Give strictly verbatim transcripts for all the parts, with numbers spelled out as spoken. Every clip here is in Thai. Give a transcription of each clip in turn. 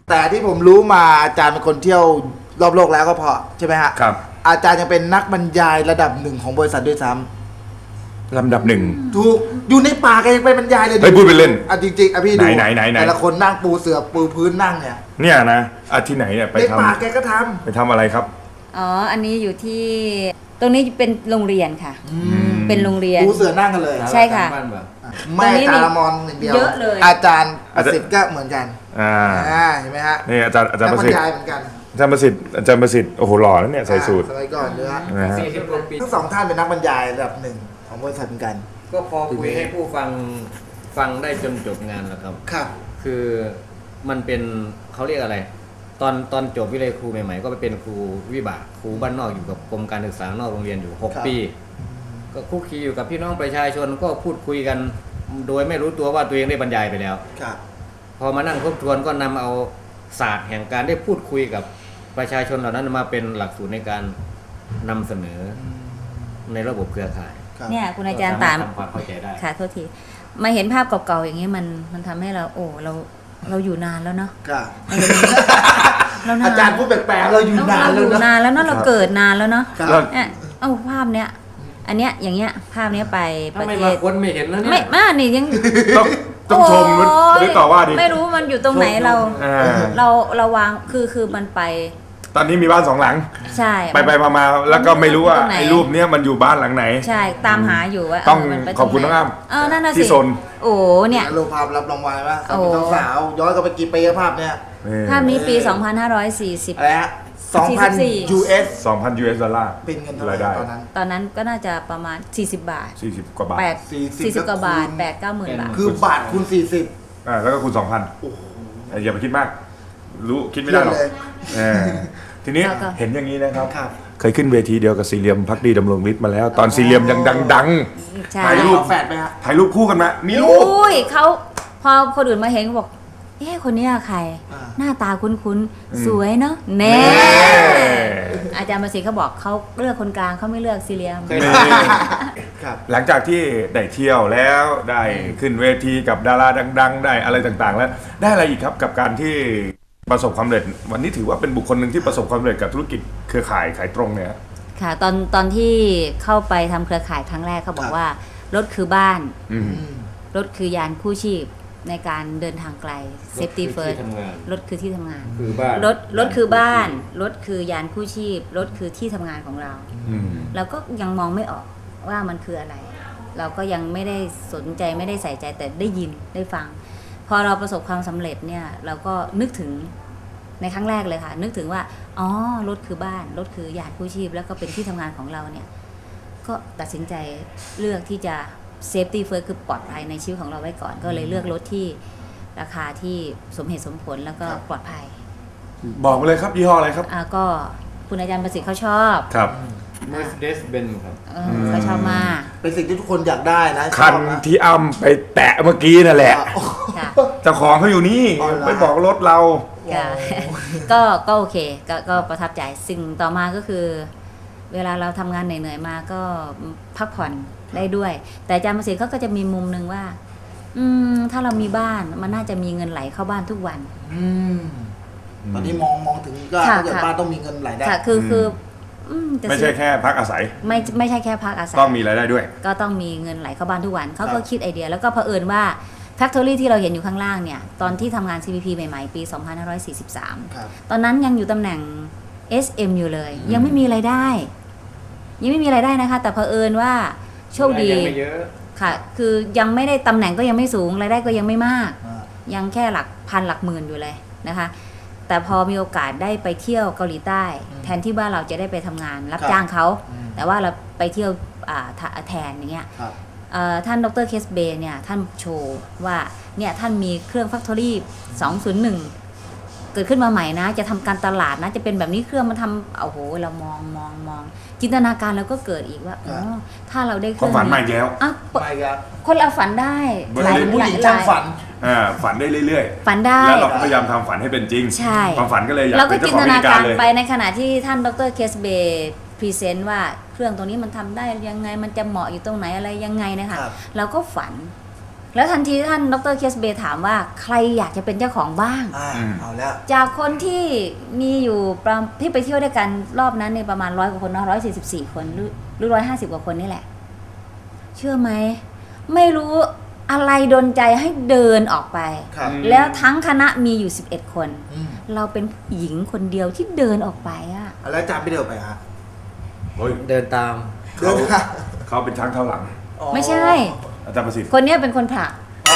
แต่ที่ผมรู้มาอาจารย์เป็นคนเที่ยวรอบโลกแล้วก็พอใช่ไหมฮะครับอาจารย์ยังเป็นนักบรรยายระดับหนึ่งของบริษัทด้วยซ้ำลำดับหนึ่งถูกอยู่ในป่าก็ยังไปบรรยายเลยเฮ้ยพูดไปเล่นอ่ะจริงๆอ่ะพี่ดูไหนไหนไหนแต่ละคนนั่งปูเสือปูพื้นนั่งเนี่ยเนี่ยนะอาที่ไหนเนี่ยไปในทำป่าแกก็ทำไปทำอะไรครับอ๋ออันนี้อยู่ที่ตรงนี้เป็นโรงเรียนค่ะเป็นโรงเรียนปูเสือนั่งกันเลยใช่ค่ะไม่อาจารย์มอนอย่างเดียวเยอะเลยอาจารย์ประสิทธิ์ก็เหมือนกันอ่าเห็นไหมฮะนี่อาจารย์อาจารย์ประสิทธิ์เหมือนกันอาจารย์ประสิทธิ์อาจารย์ประสิทธิ์โอ้โหหล่อแล้วเนี่ยใส่สูทสมัยก่อนเลยฮะสี่สิบกว่าปีทั้งสองท่านเป็นนักบรรยายระดับหนึ่งของบริษัทเหมือนกันก็พอคุยให้ผู้ฟังฟังได้จนจบงานแล้วครับครับคือมันเป็นเขาเรียกอะไรตอนตอนจบวิเลยครูใหม่ๆก็ไปเป็นครูวิบากครูบ้านนอกอยู่กับกรมการศึกษานอกโรงเรียนอยู่หกปีก็คุกคีอยู่กับพี่น้องประชาชนก็พูดคุยกันโดยไม่รู้ตัวว่าตัวเองได้บรรยายไปแล้วพอมานั่งทบทวนก็นำเอาศาสตร์แห่งการได้พูดคุยกับประชาชนเหล่านั้นมาเป็นหลักสูตรในการนำเสนอในระบบเครือข่ายเนี่ยคุณอาจารย์ตามความเข้าใจได้ค่ะโทษทีมาเห็นภาพเก่าๆอย่างนี้มันมันทำให้เราโอ้เราเราอยู่นานแล้วเนาะอาจารย์พูดแปลกๆเราอยู่นานแล้วนานแล้วเนาะเราเกิดนานแล้วเนาะเนี่ยเอาภาพเนี้ยอันเนี้ยอย่างเงี้ยภาพเนี้ยไปประเทศคนไม่เห็นแล้วเนี่ยไม่มานี่ยังต้องต้องชมหรือต่อว่าดิไม่รู้มันอยู่ตรงไหนเราเราเราวางคือคือมันไปตอนนี้มีบ้านสองหลังใช่ไปไปมาๆแล้วก็ไม่รู้ว่าไอ้รูปเนี้ยมันอยู่บ้านหลังไหนใช่ตามหาอยู่ว่าต้องขอบคุณน้องอ้ำเออนั่นน่ะสิที่ซนโอ้เนี่ยรูปภาพรับรางวัลว่าสาวย้อนกลับไปกี่ปีภาพเนี้ยภาพนี้ปีสองพันห้าร้อยสี่สิบอะไรฮะสองพัน ยู เอสสองพัน ยู เอส ดอลลาร์เป็นเงินเท่าไหร่ตอนนั้นตอนนั้นก็น่าจะประมาณสี่สิบบาทสี่สิบกว่าบาทสี่สิบกว่าบาทแปด เก้าหมื่นบาทคือบาทคูณสี่สิบอ่าแล้วก็คูณสองพันโอ้โหอย่าไปคิดมากรู้คิดไม่ได้หรอกทีนี้เห็นอย่างนี้นะครับเคยขึ้นเวทีเดียวกับสี่เหลี่ยมภักดีดำรงฤทธิ์มาแล้วตอนสี่เหลี่ยมยังดังๆถ่ายรูปแฝดไหมฮะถ่ายรูปคู่กันมามีรูปอุ้ยเขาพอคนอื่นมาเห็นเขาบอกเอ๊ะคนนี้ใครหน้าตาคุ้นๆสวยเนาะแน่อาจารย์ประสิทธิ์เขาบอกเขาเลือกคนกลางเขาไม่เลือกสี่เหลี่ยมหลังจากที่ได้เที่ยวแล้วได้ขึ้นเวทีกับดาราดังๆได้อะไรต่างๆแล้วได้อะไรอีกครับกับการที่ประสบความสำเร็จวันนี้ถือว่าเป็นบุคคลหนึ่งที่ประสบความสำเร็จกับธุรกิจเครือข่ายขายตรงเนี่ยค่ะตอนตอนที่เข้าไปทำเครือข่ายครั้งแรกเขาบอกว่ารถคือบ้านรถคือยานคู่ชีพในการเดินทางไกล safety first รถคือที่ทำงานรถรถคือบ้านรถคือยานคู่ชีพรถคือที่ทำงานของเราเราก็ยังมองไม่ออกว่ามันคืออะไรเราก็ยังไม่ได้สนใจไม่ได้ใส่ใจแต่ได้ยินได้ฟังพอเราประสบความสำเร็จเนี่ยเราก็นึกถึงในครั้งแรกเลยค่ะนึกถึงว่าอ๋อรถคือบ้านรถคือยานคู่ชีพแล้วก็เป็นที่ทำงานของเราเนี่ยก็ตัดสินใจเลือกที่จะเซฟตี้เฟิร์สคือปลอดภัยในชีวิตของเราไว้ก่อนก็เลยเลือกรถที่ราคาที่สมเหตุสมผลแล้วก็ปลอดภัยบอกมาเลยครับยี่ห้ออะไรครับอ่าก็คุณอาจารย์ประสิทธิ์เขาชอบครับ Mercedes-Benz ครับเขาชอบมากเป็นสิ่งที่ทุกคนอยากได้นะคันที่อ้ำไปแตะเมื่อกี้นั่นแหละเจ้าของเขาอยู่นี่ไปบอกรถเราก็ก็โอเคก็ก็ประทับใจสิ่งต่อมาก็คือเวลาเราทำงานเหนื่อยๆมาก็พักผ่อนได้ด้วยแต่อาจารย์ประสิทธิ์เขาก็จะมีมุมนึงว่าอืมถ้าเรามีบ้านมันน่าจะมีเงินไหลเข้าบ้านทุกวันอืมตอนนี้มองมองถึงก็ถ้าเกิดบ้านต้องมีเงินไหลได้ค่ะคือคือไม่ใช่แค่พักอาศัยไม่ไม่ใช่แค่พักอาศัยต้องมีรายได้ด้วยก็ต้องมีเงินไหลเข้าบ้านทุกวันเขาก็คิดไอเดียแล้วก็เผอิญว่าแฟคทอรี่ที่เราเห็นอยู่ข้างล่างเนี่ยตอนที่ทำงาน ซี พี พี ใหม่ๆปีสองพันห้าร้อยสี่สิบสามตอนนั้นยังอยู่ตำแหน่ง เอส เอ็ม อยู่เลยยังไม่มีรายได้ยังไม่มีรายได้นะคะแต่เผอิญว่าโชคดีค่ะคือยังไม่ได้ตำแหน่งก็ยังไม่สูงรายได้ก็ยังไม่มากยังแค่หลักพันหลักหมื่นอยู่เลยนะคะแต่พอมีโอกาสได้ไปเที่ยวเกาหลีใต้แทนที่ว่าเราจะได้ไปทำงานรับจ้างเขาแต่ว่าเราไปเที่ยวแทนอย่างเงี้ยท่านดร.เคสเบย์เนี่ยท่านโชว์ว่าเนี่ยท่านมีเครื่องแฟคทอรี่สองศูนย์หนึ่งเกิดขึ้นมาใหม่นะจะทำการตลาดนะจะเป็นแบบนี้เครื่องมาทำโอ้โหเรามองมองมองจินตนาการเราก็เกิดอีกว่าอ๋อถ้าเราได้เครื่องฝันใหม่แล้วอ่ะคนเราฝันได้หลายผู้หญิงช่างฝันอ่าฝันได้เรื่อยๆฝันได้แล้วเราก็พยายามทำฝันให้เป็นจริงใช่ความฝันก็เลยอยากเป็นเจ้าของกิจการเลยไปในขณะที่ท่านดร.เคสเบย์พรีเซนต์ว่าเครื่องตัวนี้มันทำได้ยังไงมันจะเหมาะอยู่ตรงไหนอะไรยังไงนะคะเราก็ฝันแล้วทันทีท่านดรเคสเบย์ถามว่าใครอยากจะเป็นเจ้าของบ้างอ่าเอาแล้วจากคนที่มีอยู่ประที่ไปเที่ยวด้วยกันรอบนั้นในประมาณร้อยกว่าคนเนาะร้อยสี่สิบสี่คนหรือหรือร้อยห้าสิบกว่าคนนี่แหละ เชื่อไหมไม่รู้อะไรดลใจให้เดินออกไปครับแล้วทั้งคณะมีอยู่สิบเอ็ดคนอืมเราเป็นผู้หญิงคนเดียวที่เดินออกไปอะแล้วอาจารย์ไม่เดินไปฮะเฮ้ยเดินตามเดินค่ะเขาเป็นช้างเท้าหลังไม่ใช่อาจารย์ประสิทธิ์คนเนี้ยเป็นคนผลัก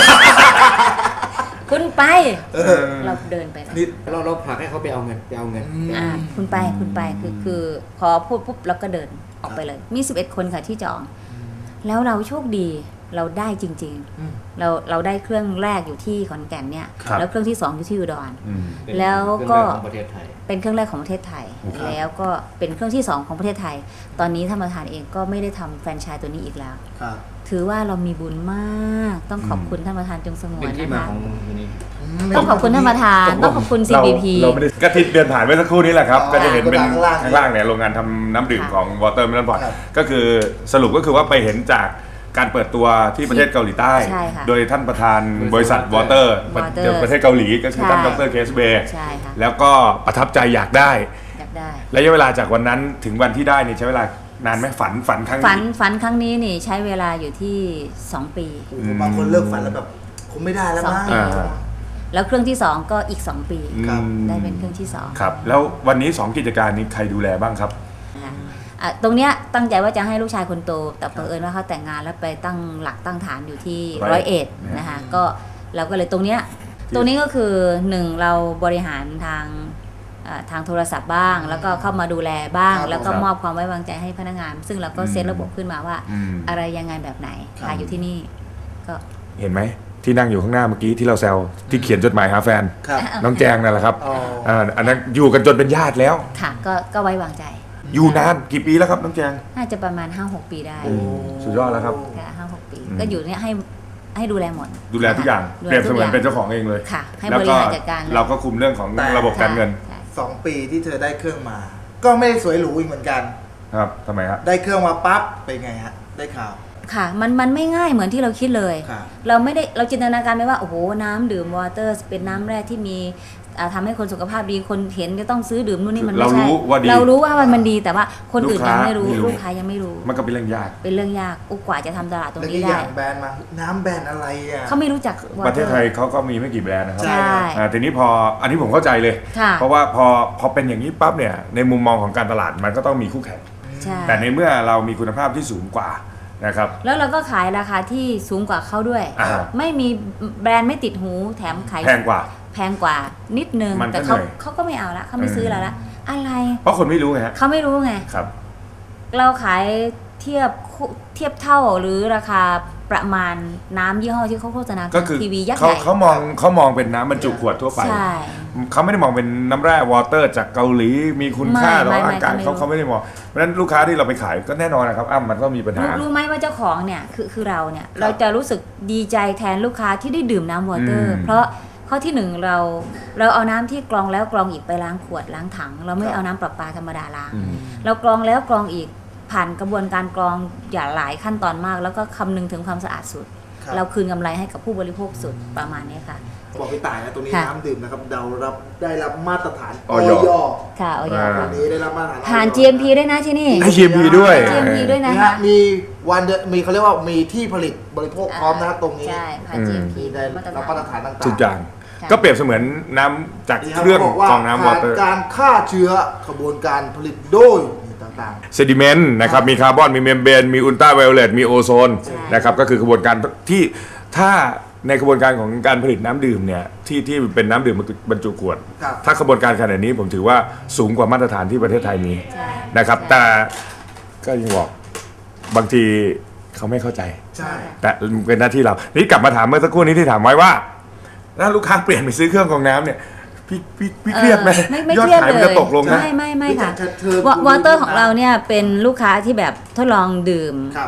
คุณไปเออเราเดินไปนะนี่เราเราผลักให้เขาไปเอาเงินไปเอาเงินอืมอ่าคุณไปคุณไปคือคือพอพูดปุ๊บเราก็เดินออกไปเลย มีสิบเอ็ดคนค่ะที่จอง แล้วเราโชคดีเราได้จริงอืมๆ เราเราได้เครื่องแรกอยู่ที่ขอนแก่นเนี่ยครับแล้วเครื่องที่สองอยู่ที่อุดรอืมเป็นแล้วก็เครื่องแรของประเทศไทยเป็นเครื่องแรกของประเทศไทยครับแล้วก็เป็นเครื่องที่สองของประเทศไทย ตอนนี้ท่านประธานเองก็ไม่ได้ทำแฟรนไชส์ตัวนี้อีกแล้วครับถือว่าเรามีบุญมาก ต้องขอบคุณท่านประธานจงสงวเป็นนที่นะมาคะของตัวนี้ต้องขอบคุณท่านประธาน ต้องขอบคุณ ซีเราบี พีเราไม่ได้กระทิเดินผ่านเมื่อสักครู่นี้แหละครับอ๋อก็จะเห็นเป็นข้างล่างข้างล่างเนี่ยโรงงานทำน้ำดื่มค่ะของ Water Melon Pot ครับก็คือสรุปก็คือว่าไปเห็นจากการเปิดตัวที่ประเทศเกาหลีใต้ใช่ค่ะโดยท่านประธานบริษัท Water Water ประเทศเกาหลีก็คือท่านใช่ดรเคสเบย์ใช่ค่ะแล้วก็ประทับใจอยากได้อยากได้ระยะเวลาจากวันนั้นถึงวันที่ได้นี่ใช้เวลานานไหมฝันฝันครั้งฝันนี้ฝันครั้งนี้นี่ใช้เวลาอยู่ที่สองปีโอ้โหบางคนเลิกฝันแล้วแบบคงไม่ได้แล้วมั้งสองปี แล้วเครื่องที่สองก็อีกสองปีครับอืมได้เป็นเครื่องที่สองครับ แล้ววันนี้สองกิจการนี้ใครดูแลบ้างครับนะคะอ่ะตรงเนี้ยตั้งใจว่าจะให้ลูกชายคนโต แต่เผอิญว่าเขาแต่งงานแล้วไปตั้งหลักตั้งฐานอยู่ที่ร้ร้ออย ยเอ็เอ็ดดนะคะก็เราก็เลยตรงเนี้ยตรงนี้ก็คือหนึ่งเราบริหารทางเอ่อทางโทรศัพท์บ้าง แล้วก็เข้ามาดูแลบ้างครับแล้วก็ครับมอบความไว้วางใจให้พนักงาน ซึ่งเราก็อืมเซตระบบขึ้นมาว่าอืมอะไรยังไงแบบไหนครับขายอยู่ที่นี่ก็เห็นไหมที่นั่งอยู่ข้างหน้าเมื่อกี้ที่เราแซวที่เขียนจดหมายหาแฟนครับน้องแจงนั่นแหละครับอ๋ออ่าอันนั้นอยู่กันจนเป็นญาติแล้วค่ะก็ก็ไว้วางใจอยู่นานกี่ปีแล้วครับน้องแจงน่าจะประมาณ ห้าหก ปีได้โอ้ สุดยอดแล้วครับค่ะห้าหกปีอืมก็อยู่เนี่ยให้ให้ดูแลหมดดูแลทุกอย่างดูเปรียบเสมือนทุกย่งเป็นเจ้าของเองเลยค่ะ ให้แล้วบริก็หารจัดการลยเราก็คุมเรื่องของแต่ระบบการเงินใช่สองปีที่เธอได้เครื่องมา ก็ไม่ได้สวยหรูอีกเหมือนกันครับทำไมฮะได้เครื่องมาปั๊บเป็นไงฮะ ได้ข่าวค่ะมันมันไม่ง่ายเหมือนที่เราคิดเลยครับเราไม่ได้เราจินตนาการไม่ว่าโอ้โหน้ำดื่มวอเตอร์เป็นน้ำแร่ที่มีอ่าทำให้คนสุขภาพดีคนเห็นจะต้องซื้อดื่มนู่นนี่มันไม่เราใช่รู้ว่าดีเรารู้ว่ามันมันดีแต่ว่าคนอื่นลูกค้ายังไม่รู้ไม่รู้ลูกค้ายังไม่รู้มันก็เป็นเรื่องยากเป็นเรื่องยากอุกกว่าจะทำตลาดตรงแล้วนี้ก็อได้ย่างแบรนด์มา น้ำแบรนด์อะไรอ่ะเขาไม่รู้จัก Water ประเทศไทยเขาก็มีไม่กี่แบรนด์นะครับใช่ใช่อ่าทีนี้พออันนี้ผมเข้าใจเลยค่ะเพราะว่าพอพอเป็นอย่างนี้ปั๊บเนี่ยในมุมมองของการตลาดมันก็ต้องมีคู่แข่งใช่แต่ในเมื่อเรามีคุณภาพที่สูงกว่านะครับแล้วเราก็ขายราคาที่สูงกว่าเขาด้วยอ่าไม่มีแบรนด์ไม่ติดหูแถมขายแพงกว่าแพงกว่านิดนึงมันก็แต่เขาเหนื่อยเขาก็ไม่เอาละเขาไม่ซื้อเราละอะไรเพราะคนไม่รู้ไงฮะเขาไม่รู้ไงครับเราขายเทียบคู่เทียบเท่าหรือราคาประมาณน้ำยี่ห้อที่เขาโฆษณาก็คือทีวียักษ์เขาใหญ่เขามองเขามองเป็นน้ำบรรจุขวดทั่วไปใช่เขาไม่ได้มองเป็นน้ำแร่วอเตอร์จากเกาหลีมีคุณค่าไม่ต่อไม่ร่างกายไม่เขาไม่รู้เขาไม่ได้มองเพราะฉะนั้นลูกค้าที่เราไปขายก็แน่นอนนะครับอ้ำมันก็มีปัญหารู้รู้ไหมว่าเจ้าของเนี่ยคือคือเราเนี่ยครับเราจะรู้สึกดีใจแทนลูกค้าที่ได้ดื่มน้ำวอเตอร์อืมเพราะข้อที่หนึ่งเราเราเอาน้ำที่กรองแล้วกรองอีกไปล้างขวดล้างถัง เราไม่เอาน้ำประปาธรรมดาล้างอืมเรากรองแล้วกรองอีกผ่านกระบวนการกรองอย่าหลายขั้นตอนมาก แล้วก็คำนึงถึงความสะอาดสุดครับเราคืนกำไรให้กับผู้บริโภคสุดประมาณนี้ค่ะบอกพี่ต่ายนะตรงนี้ค่ะน้ำดื่มนะครับเรารับได้รับมาตรฐานอยค่ะเอาอย่าอ่าอันนี้ได้รับมาตรฐานผ่านออยจี เอ็ม พี ด้วยนะที่นี่ให้ จี เอ็ม พี ด้วยจี เอ็ม พี ด้วยนะนี่คะฮะมีวันเดมีเขาเรียกว่ามีที่ผลิตบริโภคพร้อมนะครับตรงนี้ใช่ผ่านอืมจี เอ็ม พีมีได้รับมาตรฐานต่างๆทุกอย่างค่ะก็เปรียบเสมือนน้ำจากนี่เครื่องบกว่ากรองน้ำวอเตอร์ผ่านการฆ่าเชื้อขบวนการผลิตโดยต่างเซดิเมนต์นะครับมีคาร์บอนมีเมมเบรนมีอุลตราไวโอเลตมีโอโซนใช่นะครับก็คือกระบวนการที่ถ้าในกระบวนการของการผลิตน้ำดื่มเนี่ยที่ที่เป็นน้ำดื่มบรรจุขวดครับถ้ากระบวนการขนาดนี้ผมถือว่าสูงกว่ามาตรฐานที่ประเทศไทยมีใช่นะครับใช่แต่ก็ยังบอกบางทีเขาไม่เข้าใจๆ ใช่แต่เป็นหน้าที่เรา นี่กลับมาถามเมื่อสักครู่นี้ที่ถามไว้ว่าถ้าลูกค้าเปลี่ยนไปซื้อเครื่องกรองน้ำเนี่ยพี่พี่พี่เครียดไหมเออไม่ไม่ยอดเครียดขายมันเลจะยตกลงนะไม่ไม่ไม่ค่ะเธอวอเตอร์ของเราเนี่ยเป็นลูกค้าที่แบบทดลองดื่มครับ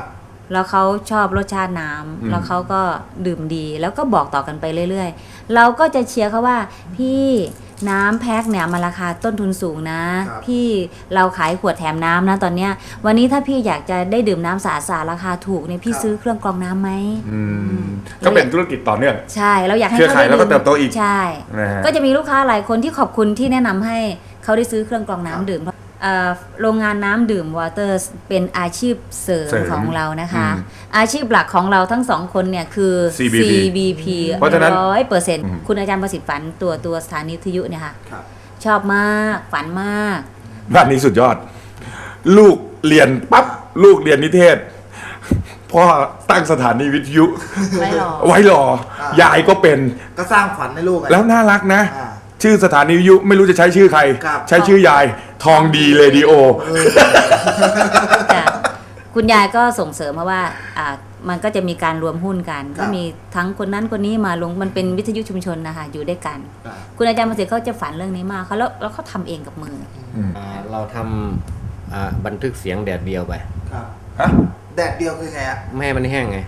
แล้วเขาชอบรสชาติน้ำแล้วเขาก็ดื่มดีแล้วก็บอกต่อกันไปเรื่อยๆเราก็จะเชียร์เขาว่าพี่น้ำแพ็คเนี่ยมันราคาต้นทุนสูงนะพี่เราขายขวดแถมน้ำนะตอนเนี้ยวันนี้ถ้าพี่อยากจะได้ดื่มน้ำสะอาดๆราคาถูกเนี่ยพี่ซื้อเครื่องกรองน้ำไหมอืมก็เป็นธุรกิจต่อเนื่องใช่เราอยากให้เครือข่ายได้แล้วก็เติบโตอีกใช่นะฮะก็จะมีลูกค้าหลายคนที่ขอบคุณที่แนะนำให้เขาได้ซื้อเครื่องกรองน้ำดื่มเอ่อโรงงานน้ำดื่มวอเตอร์เป็นอาชีพเสริมเสริมของเรานะคะอืมอาชีพหลักของเราทั้งสองคนเนี่ยคือซี บี พีซี บี พีเพราะฉะนั้นร้อยเปอร์เซ็นต์อืมคุณอาจารย์ประสิทธิ์ฝันตัวตัวสถานีวิทยุเนี่ยค่ะครับชอบมากฝันมากบ้านนี้สุดยอด ลูกเรียนปั๊บลูกเรียนนิเทศพ่อตั้งสถานีวิทยุไม่หรอกไว้รอ ยายก็เป็นก็สร้างฝันให้ลูกไงแล้วน่ารักนะอ่าชื่อสถานีวิทยุไม่รู้จะใช้ชื่อใครครับใช้ชื่อยายทองดีเรดิโอจ้ะคุณยายก็ส่งเสริมมาว่าอ่ามันก็จะมีการรวมหุ้นกันก็มีทั้งคนนั้นคนนี้มาลงมันเป็นวิทยุชุมชนนะคะอยู่ด้วยกันครับคุณอาจารย์ประสิทธิ์เขาจะฝันเรื่องนี้มากเขาแล้วแล้วเขาทำเองกับมืออ่าเราทำอ่าบันทึกเสียงแดดเดียวไปครับฮะแดดเดียวคือไงฮะไม่ให้มันแห้งไง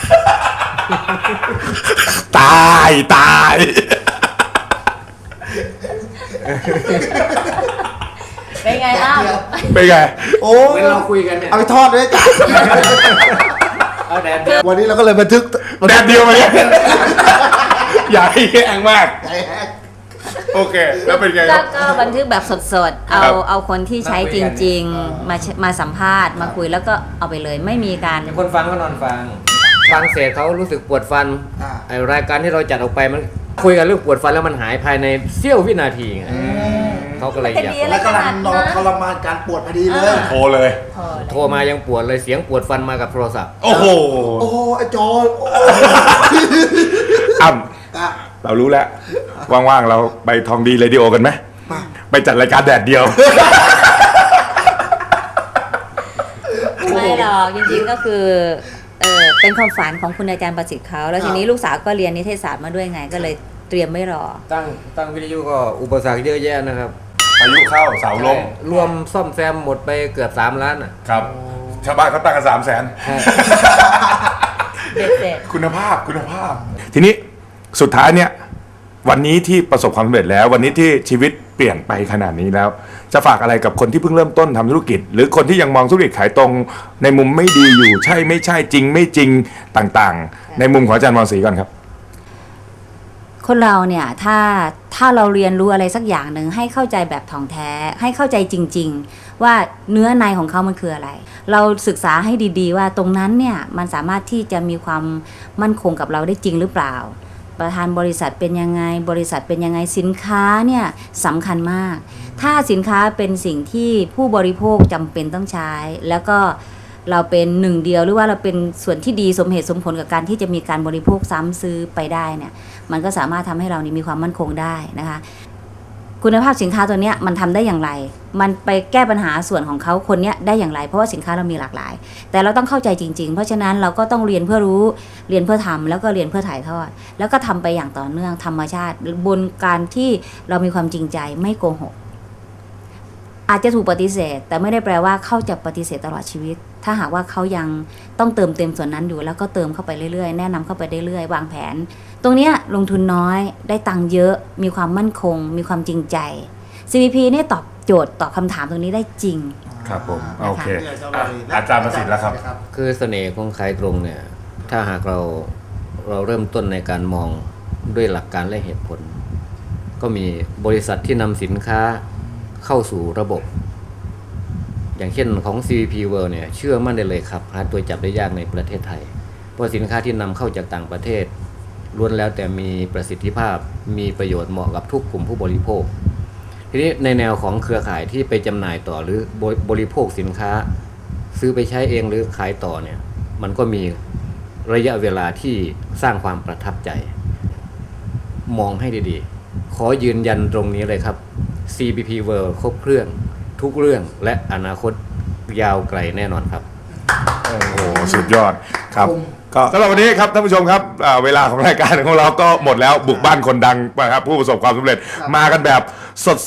ตายตายเป็นไงอ้าวเป็นไงโอ้เหมือนเราคุยกันเนี่ยเอาไปทอดด้วยจ้ะเอาแดดเดียววันนี้เราก็เลยบันทึกแดดเดียวมาเนี่ยอย่าให้แห้งมากใหญ่แฮกโอเค แล้วเป็นไงคก็รับก็บันทึกแบบสดๆ เอาครับเอาคนที่ใช้จริง ๆ มามาสัมภาษณ์มาคุยแล้วก็เอาไปเลยไม่มีการคนฟังก็นอนฟัง ฟังเสร็จเขารู้สึกปวดฟันอ่าไอรายการที่เราจัดออกไปมันคุยกันเรื่องปวดฟันแล้วมันหายภายในเสี้ยววินาทีไงเขาก็เลยอยากแล้วกำลังนอนทรมานการปวดพอดีเลยโทรเลยพอเลยโทรมายังปวดเลยเสียงปวดฟันมากับโทรศัพท์โอ้โหโอ้โหไอ้จออ่ำอ่ะเรารู้แล้ว ว่างๆ เราไปทองดีเรดิโอกันไหมมาไปจัดรายการแดดเดียวไม่หรอกจริงๆก็คือเออเป็นความฝันของคุณอาจารย์ประสิทธิ์เขาแล้วทีนี้ลูกสาวก็เรียนนิเทศศาสตร์มาด้วยไงก็เลยเตรียมไม่รอตั้งตั้งวิทยุก็อุปสรรคเยอะแยะนะครับพายุเข้าเสาล้มรวมซ่อมแซมหมดไปเกือบสามล้านอ่ะครับ ชาวบ้านเขาตั้งกันสามแสนเด็ดเสร็จคุณภาพคุณภาพ ทีนี้สุดท้ายเนี่ย วันนี้ที่ประสบความสำเร็จแล้ว วันนี้ที่ชีวิตเปลี่ยนไปขนาดนี้แล้ว จะฝากอะไรกับคนที่เพิ่งเริ่มต้นทำธุรกิจ หรือคนที่ยังมองธุรกิจขายตรง ในมุมไม่ดีอยู่ใช่ไม่ใช่จริงไม่จริงต่างๆ ในมุมของอาจารย์มรศรีก่อนครับคนเราเนี่ยถ้าถ้าเราเรียนรู้อะไรสักอย่างหนึ่งให้เข้าใจแบบถ่องแท้ให้เข้าใจจริง ๆ ว่าเนื้อในของเขามันคืออะไร เราศึกษาให้ดีๆว่าตรงนั้นเนี่ยมันสามารถที่จะมีความมั่นคงกับเราได้จริงหรือเปล่า ประธานบริษัทเป็นยังไงบริษัทเป็นยังไงสินค้าเนี่ยสำคัญมาก ถ้าสินค้าเป็นสิ่งที่ผู้บริโภคจำเป็นต้องใช้ แล้วก็เราเป็นหนึ่งเดียวหรือว่าเราเป็นส่วนที่ดีสมเหตุสมผลกับการที่จะมีการบริโภคซ้ำซื้อไปได้เนี่ยมันก็สามารถทำให้เรานี่มีความมั่นคงได้นะคะ คุณภาพสินค้าตัวเนี้ยมันทำได้อย่างไร มันไปแก้ปัญหาส่วนของเขาคนเนี้ยได้อย่างไรเพราะว่าสินค้าเรามีหลากหลาย แต่เราต้องเข้าใจจริงๆ เพราะฉะนั้นเราก็ต้องเรียนเพื่อรู้เรียนเพื่อทำแล้วก็เรียนเพื่อถ่ายทอด แล้วก็ทำไปอย่างต่อเนื่องธรรมชาติบนการที่เรามีความจริงใจไม่โกหก อาจจะถูกปฏิเสธ แต่ไม่ได้แปลว่าเขาจะปฏิเสธตลอดชีวิต ถ้าหากว่าเขายังต้องเติมเต็มส่วนนั้นอยู่แล้วก็เติมเข้าไปเรื่อยๆแนะนำเข้าไปเรื่อยๆวางแผน ตรงเนี้ยลงทุนน้อยได้ตังค์เยอะมีความมั่นคง มีความจริงใจ ซี วี พี เนี่ยตอบโจทย์ตอบคำถามตรงนี้ได้จริงครับผมนะคะโอเคอ่ะอาจารย์ประสิทธิ์แล้วครับคือเสน่ห์ของขายตรงเนี่ยถ้าหากเราเราเริ่มต้นในการมองด้วยหลักการและเหตุผล ก็มีบริษัทที่นำสินค้าเข้าสู่ระบบ อย่างเช่นของ ซี วี พี World เนี่ยเชื่อมั่นได้เลยครับหาตัวจับได้ยากในประเทศไทยเพราะสินค้าที่นำเข้าจากต่างประเทศล้วนแล้วแต่มีประสิทธิภาพมีประโยชน์เหมาะกับทุกกลุ่มผู้บริโภคทีนี้ในแนวของเครือข่ายที่ไปจำหน่ายต่อหรือบริโภคสินค้าซื้อไปใช้เองหรือขายต่อเนี่ยมันก็มีระยะเวลาที่สร้างความประทับใจ มองให้ดีๆขอยืนยันตรงนี้เลยครับ ซี บี พี World ครบเครื่องทุกเรื่องและอนาคตยาวไกลแน่นอนครับโอ้โหสุดยอดครับก็สำหรับวันนี้ครับท่านผู้ชมครับอ่าเวลาของรายการของเราก็หมดแล้วบุกบ้านคนดังนะครับผู้ประสบความสำเร็จมากันแบบสด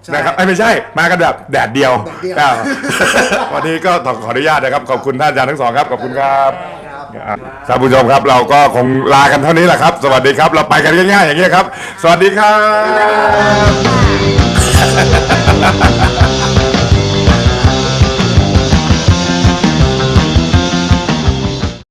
นะครับไอ้ไม่ใช่มากันแบบแดดเดียวแดดเดียวอ่า วันนี้ก็ต้องขออนุญาตนะครับขอบคุณท่านอาจารย์ทั้งสองครับขอบคุณครับท่านผู้ชมครับเราก็คงลากันเท่านี้แหละครับ สวัสดีครับ เราไปกันง่ายๆอย่างนี้ยครับ สวัสดีครับ